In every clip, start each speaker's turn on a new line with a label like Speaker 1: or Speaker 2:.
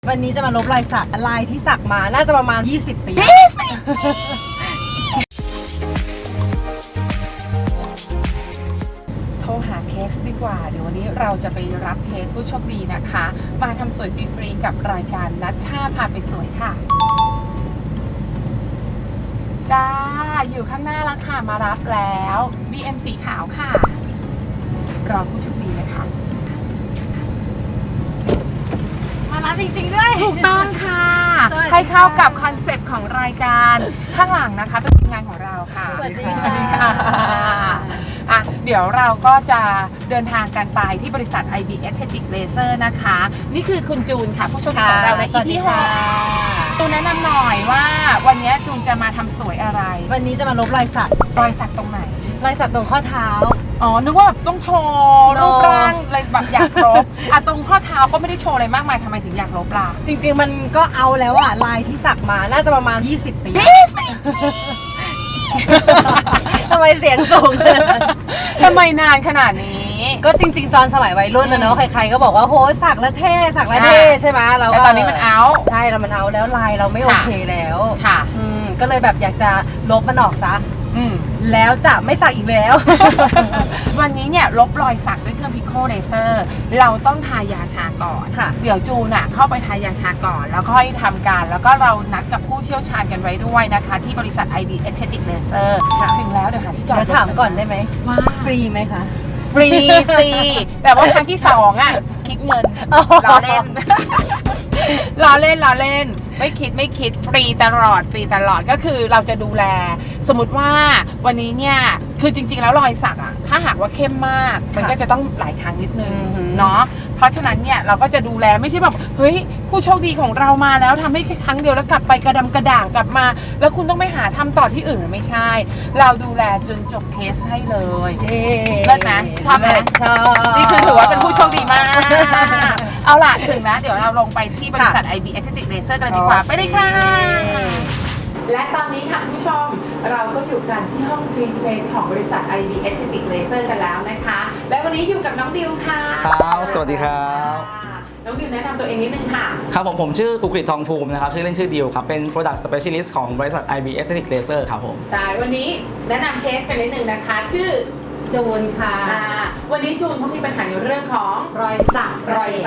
Speaker 1: วันนี้จะมาลบรอยสักลายที่สักมาน่าจะประมาณ20 ปี
Speaker 2: โทรหาเคสดีกว่าเดี๋ยววันนี้เราจะไปรับเคสผู้โชคดีนะคะมาทำสวยฟรีๆกับรายการนัชชาพาไปสวยค่ะจ้าอยู่ข้างหน้าแล้วค่ะมารับแล้ว BM สีขาวค่ะรอผู้โชคดีนะคะ
Speaker 1: มารับจริงๆด้วย
Speaker 2: ถูกต้องค่ะให้เข้ากับคอนเซ็ปต์ของรายการข้างหลังนะคะเป็นทีมงานของเราค่ะ
Speaker 1: สวัสดีค่ะ
Speaker 2: เดี๋ยวเราก็จะเดินทางกันไปที่บริษัท IB Aesthetic Laser นะคะนี่คือคุณจูนค่ะผู้โชคดีของเราใน EP 6ตูนแนะนำหน่อยว่าวันนี้จูนจะมาทำสวยอะไร
Speaker 1: วันนี้จะมาลบรอยสัก
Speaker 2: ตรงไหน
Speaker 1: รอยสักตรงข้อเท้า
Speaker 2: อ๋อนึกว่าแบบต้องโชว์รูปร่างเลยแบบอยากลบตรงข้อเท้าก็ไม่ได้โชว์อะไรมากมายทำไมถึงอยากลบล่ะ
Speaker 1: จริงๆมันก็เอาแล้วอะลายที่สักมาน่าจะประมาณ20 ปีทำไมเสียงสูงเลย
Speaker 2: ทำไมนานขนาดนี้
Speaker 1: ก็จริงๆตอนสมัยวัยรุ่นนะเนาะใครๆก็บอกว่าโหสักแล้วเท่สักแล้วเท่ใช่ไหม
Speaker 2: แต่ตอนนี้มันเอา
Speaker 1: ใช่แล้วมันเอาแล้วลายเราไม่โอเคแล้ว
Speaker 2: ค่ะ
Speaker 1: ก็เลยแบบอยากจะลบมันออกซะแล้วจะไม่สักอีกแล้ว
Speaker 2: วันนี้เนี่ยลบรอยสักด้วยเครื่องพิโคเลเซอร์เราต้องทายาชาก่อนเดี๋ยวจูนเข้าไปทายาชาก่อนแล้วค่อยทำการแล้วก็เรานัดกับผู้เชี่ยวชาญกันไว้ด้วยนะคะที่บริษัท IB Aesthetic Laser ถึงแล้วเดี๋ยวหาที่จอด
Speaker 1: ถามก่อนได้ไหม
Speaker 2: ว่า
Speaker 1: ฟรีไหมคะ
Speaker 2: ฟรีสิแต่ว่าครั้งที่2คิดเงินล้อเล่นล้อเล่นไม่คิดฟรีตลอดก็คือเราจะดูแลสมมติว่าวันนี้เนี่ยคือจริงๆแล้วรอยสักถ้าหากว่าเข้มมากมันก็จะต้องหลายครั้งนิดนึงเนาะเพราะฉะนั้นเนี่ยเราก็จะดูแลไม่ใช่แบบเฮ้ยผู้โชคดีของเรามาแล้วทำให้แค่ครั้งเดียวแล้วกลับไปกระดำกระด่างกลับมาแล้วคุณต้องไปหาทำต่อที่อื่นไม่ใช่เราดูแลจนจบเคสให้เลยเลิศนะชอบไหม
Speaker 1: ชอบ
Speaker 2: นี่คือถือว่าเป็นผู้โชคดีมากเอาล่ะถึงนะเดี๋ยวเราลงไปที่บริษัท IB Aesthetic Laser กันดีกว่าไปเลยค่ะและตอนนี้ค่ะคุณผู้ชมเราก็อยู่กันที่ห้องคลีนเพลนของบริษัท IB Aesthetic Laser กันแล้วนะคะและวันนี้อยู่กับน้องดิวค่ะ
Speaker 3: ครับสวัสดีครับ
Speaker 2: น้องดิวแนะนำตัวเองนิดนึงค่ะ
Speaker 3: ครับผมชื่อกุกฤษทองภูมินะครับชื่อเล่นชื่อดิวครับเป็น Product Specialist ของบริษัท IB Aesthetic Laser ครับผม
Speaker 2: ใช่วันนี้แนะนำเคสกันนิดนึงนะคะชื่อ
Speaker 1: จูนค่ะ
Speaker 2: วันนี้จูนเขามีปัญหาในเรื่องของ
Speaker 1: รอยสัก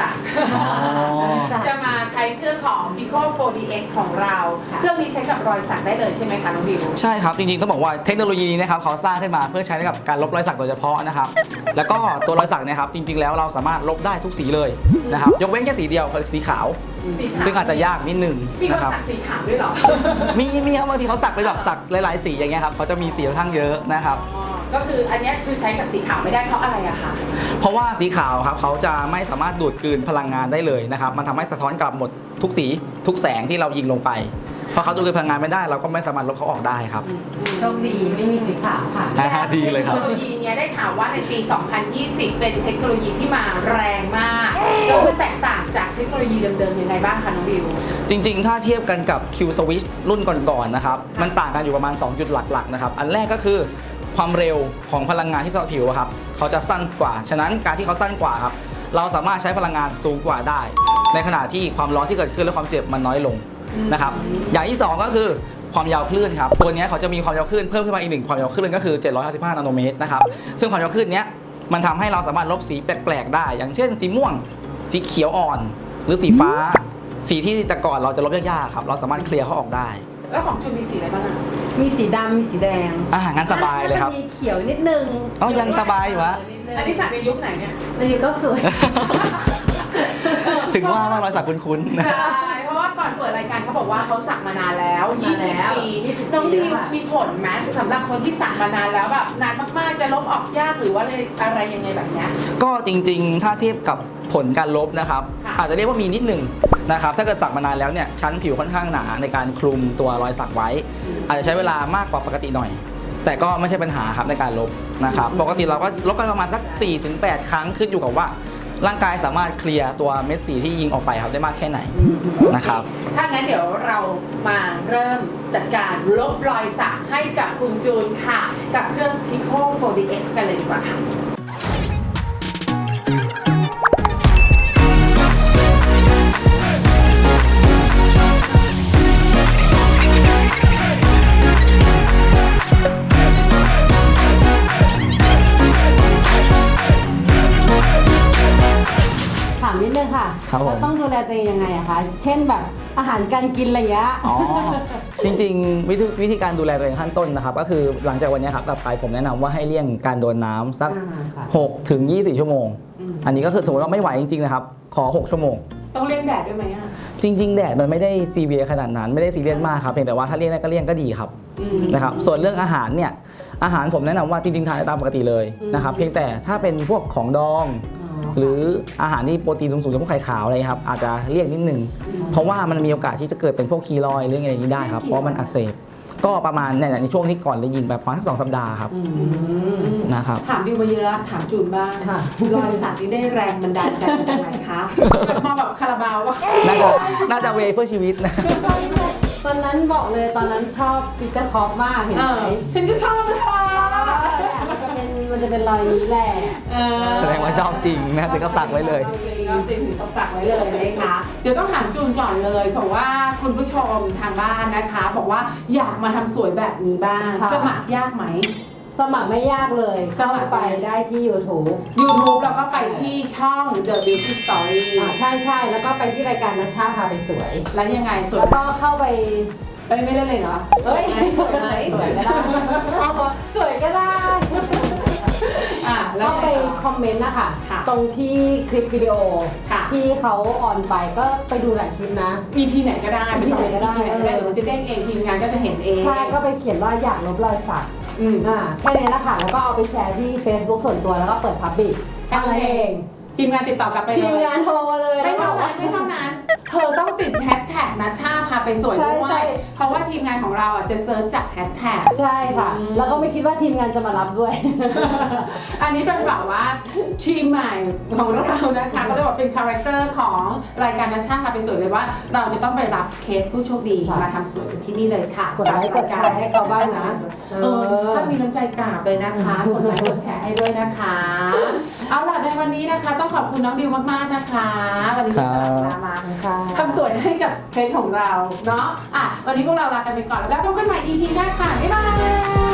Speaker 2: จะมาใช้เครื่องของ Pico 4DX ของเราเครื่องนี้ใช้กับรอยสักได้เลยใช่ไหมคะน้องดิว
Speaker 3: ใช่ครับจริงๆต้องบอกว่าเทคโนโลยีนี้นะครับเขาสร้างขึ้นมาเพื่อใช้กับการลบรอยสักโดยเฉพาะนะครับแล้วก็ตัวรอยสักเนี่ยครับจริงๆแล้วเราสามารถลบได้ทุกสีเลยนะครับยกเว้นแค่สีเดียวคือสีขาวซึ่งอาจจะยากนิดนึง
Speaker 2: นะครับมีสีขาวด้วยหรอ
Speaker 3: มีครับบางทีเขาสักไปแบบสักหลายๆสีอย่างเงี้ยครับเขาจะมีสีค่อนข้างเยอะนะครับ
Speaker 2: ก็คืออันนี้คือใช้กับสีขาวไม่ได้เพราะอะไรอะคะ
Speaker 3: เพราะว่าสีขาวครับเขาจะไม่สามารถดูดกลืนพลังงานได้เลยนะครับมันทำให้สะท้อนกลับหมดทุกสีทุกแสงที่เรายิงลงไปพอเขาดูดกลืนพลังงานไม่ได้เราก็ไม่สามารถลบเขาออกได้ครับ
Speaker 1: โชคดีไม่มีสีขาวค่ะ
Speaker 3: ดีเลยครับ
Speaker 2: เทคโนโลยีนี้ได้ข่าวว่าในปี 2020 เป็นเทคโนโลยีที่มาแรงมากแล้วมันแตกต่างจากเทคโนโลยีเดิมๆยังไงบ้างคะน้องวิว
Speaker 3: จริงๆถ้าเทียบกันกับ Q Switch รุ่นก่อนๆนะครับมันต่างกันอยู่ประมาณ2จุดหลักๆนะครับอันแรกก็คือความเร็วของพลังงานที่สะท้อนผิวครับเขาจะสั้นกว่าฉะนั้นการที่เขาสั้นกว่าครับเราสามารถใช้พลังงานสูงกว่าได้ในขณะที่ความร้อนที่เกิดขึ้นและความเจ็บมันน้อยลงนะครับอย่างที่2ก็คือความยาวคลื่นครับตัวนี้เขาจะมีความยาวคลื่นเพิ่มขึ้นมาอีก1ความยาวคลื่นก็คือ755นาโนเมตรนะครับซึ่งความยาวคลื่นนี้มันทำให้เราสามารถลบสีแปลกๆได้อย่างเช่นสีม่วงสีเขียวอ่อนหรือสีฟ้าสีที่แต่ก่อนเราจะลบยากๆครับเราสามารถเคลียร์เขาออกได้
Speaker 2: แล้วของจูนมีสีอะไรบ้าง
Speaker 1: มีสีดำมีสีแดง
Speaker 3: งั้นสบายเลยครับ
Speaker 1: มีเขียวนิดนึง
Speaker 3: ยังสบายอยู่วะ
Speaker 2: อันนี้สักในยุคไหนเนี่ย
Speaker 1: ในยุคก็สวย
Speaker 3: ถึงว่ารอยสักคุ้น
Speaker 2: ๆใช่เพราะว่าก่อนเปิดรายการเขาบอกว่าเขาสักมานานแล้ว20 ปีน้องดิวมีผลไหมสำหรับคนที่สักมานานแล้วแบบนานมากๆจะลบออกยากหรือว่าอะไรยังไงแบบนี้
Speaker 3: ก็จริงๆถ้าเทียบกับผลการลบนะครับอาจจะเรียกว่ามีนิดหนึ่งนะครับถ้าเกิดสักมานานแล้วเนี่ยชั้นผิวค่อนข้างหนาในการคลุมตัวรอยสักไว้อาจจะใช้เวลามากกว่าปกติหน่อยแต่ก็ไม่ใช่ปัญหาครับในการลบนะครับปกติเราก็ลบกันประมาณสัก 4-8 ครั้งขึ้นอยู่กับว่าร่างกายสามารถเคลียร์ตัวเม็ดสีที่ยิงออกไปครับได้มากแค่ไหนนะครับ
Speaker 2: ถ้างั้นเดี๋ยวเรามาเริ่มจัดการลบรอยสักให้กับคุณจูนค่ะกับเครื่อง Pico 4DX กันเลยดีกว่าค่ะ
Speaker 1: ยังไงอะคะเช่นแบบอาหารการกินอะไรเงี้ย
Speaker 3: อ๋อ จริงๆวิธีการดูแลตัวเองขั้นต้นนะครับก็คือหลังจากวันนี้ครับกลับไปผมแนะนำว่าให้เลี่ยงการโดนน้ำสัก
Speaker 1: ค่ะ
Speaker 3: 6 ถึง 24 ชั่วโมง อันนี้ก็คือสมมติว่าไม่ไหวจริงๆนะครับขอ 6 ชั่วโมง
Speaker 2: ต้องเลี่ยงแดดด้วยไหมอ่ะ
Speaker 3: จริงๆแดดมันไม่ได้ซีเวียขนาดนั้นไม่ได้ซีเรียสมากครับเพียงแต่ว่าถ้าเลี่ยงได้ก็เลี่ยงก็ดีครับนะครับส่วนเรื่องอาหารเนี่ยอาหารผมแนะนำว่าจริงๆทานได้ตามปกติเลยนะครับเพียงแต่ถ้าเป็นพวกของดอง หรืออาหารที่โปรตีนสูงๆอย่างพวกไข่ขาวอะไรครับอาจจะเลี่ยงนิดนึงเพราะว่ามันมีโอกาสที่จะเกิดเป็นพวกคีรอยด์หรืออะไรอย่างนี้ได้ครับเพราะมันอักเสบก็ประมาณในช่วงที่ก่อนได้ยินแบบประมาณสัก2 สัปดาห์ครับนะครับ
Speaker 2: ถามดิวมาเยอะแล้วถามจูนบ้าง
Speaker 1: ค่ะ
Speaker 2: รอยสักนี่ได้แรงบันดาลใจมาจากไหนคะมาแบบคาราบาววะ
Speaker 3: น่าจะเวเพื่อชีวิตนะ
Speaker 1: ตอนนั้นบอกเลยตอนนั้นชอบปีเตอร์คอปมากเห็นไหม
Speaker 2: ฉันก็ชอบนะคะ
Speaker 1: มันจะเป็นรอยนี้แหละ
Speaker 3: แสดงว่าชอบจริงนะถึงก็สักไว้เลย
Speaker 2: จริงๆต้องสักไว้เลยนะคะเดี๋ยวต้องถามจูนก่อนเลยเพราะว่าคุณผู้ชมทางบ้านนะคะ บอกว่าอยากมาทำสวยแบบนี้บ้าง
Speaker 1: ค่ะ
Speaker 2: สมัครยากไหม
Speaker 1: สมัครไม่ยากเลย
Speaker 2: สมั
Speaker 1: เข้า
Speaker 2: คร
Speaker 1: ไปได้ที่ YouTube
Speaker 2: YouTube แล้วก็ไปที่ช่อง The Beauty Story
Speaker 1: ใช่แล้วก็ไปที่รายการนัชชาพาไปสวย
Speaker 2: แล้วยังไงสวย
Speaker 1: แล้วก็เข้าไป
Speaker 2: ไม่เล่นเลยเหรอ
Speaker 1: เอ้ย
Speaker 2: สวยไหม
Speaker 1: สวยก็ได้สวยก็ได้
Speaker 2: แล้ว
Speaker 1: เข้าไปคอมเมนต์นะคะ
Speaker 2: ค่ะ
Speaker 1: ตรงที่คลิปวิดีโอ
Speaker 2: ค่ะ
Speaker 1: ที่เขาออนไปก็ไปดูหลายคลิปนะ
Speaker 2: EP ไหนก็ได้
Speaker 1: EP ไหนก็ได้
Speaker 2: เดี๋ยวมันจะเด้งเองทีมงานก็จะเห็นเอง
Speaker 1: ใช่ก็ไปเขียนว่าอยากลบรอยสัก แค่นี้แหละค่ะแล้วก็เอาไปแชร์ที่ Facebook ส่วนตัวแล้วก็เปิดพับบิก
Speaker 2: แค่นั้นเองทีมงานติดต่อกลับไปเลย
Speaker 1: ทีมงานโทรเลย
Speaker 2: ไม่
Speaker 1: แล้วบ
Speaker 2: เท่า
Speaker 1: อก
Speaker 2: นั้
Speaker 1: ว่าน
Speaker 2: เธอต้องติดแฮชแท็กนะชาพาไปสวยด้ว
Speaker 1: ใช่
Speaker 2: ยเพราะว่าทีมงานของเราจะเซิร์ชจากแฮชแท็ก
Speaker 1: ใช่ค่ะ แล้วก็ไม่คิดว่าทีมงานจะมารับด้วย
Speaker 2: อันนี้เป็นแบบว่าทีมใหม่ของเรานะคะก็เลยบอกเป็นคาแรคเตอร์ของรายการนะชาพาไปสวยเลยว่า เราจะต้องไปรับเคสผู้โชคดี
Speaker 1: ค่ะ
Speaker 2: มาทำสวยกันที่นี่เลยค่ะ
Speaker 1: กดไลค์กดแชร์ให้เขาบ้างนะ
Speaker 2: ถ้ามีน้ำใจกราบเลยนะคะกดไลค์กดแชร์ให้ด้วยนะคะ เอาล่ะในวันนี้นะคะต้องขอบคุณน้องดิวมากๆนะคะวันนี้ที่สละมา
Speaker 1: ค่ะ
Speaker 2: ทำสวยให้กับเคสของเราเนาะวันนี้พวกเราลากันไปก่อนแล้วพบกันใหม่ EP หน้าค่ะ บ๊ายบาย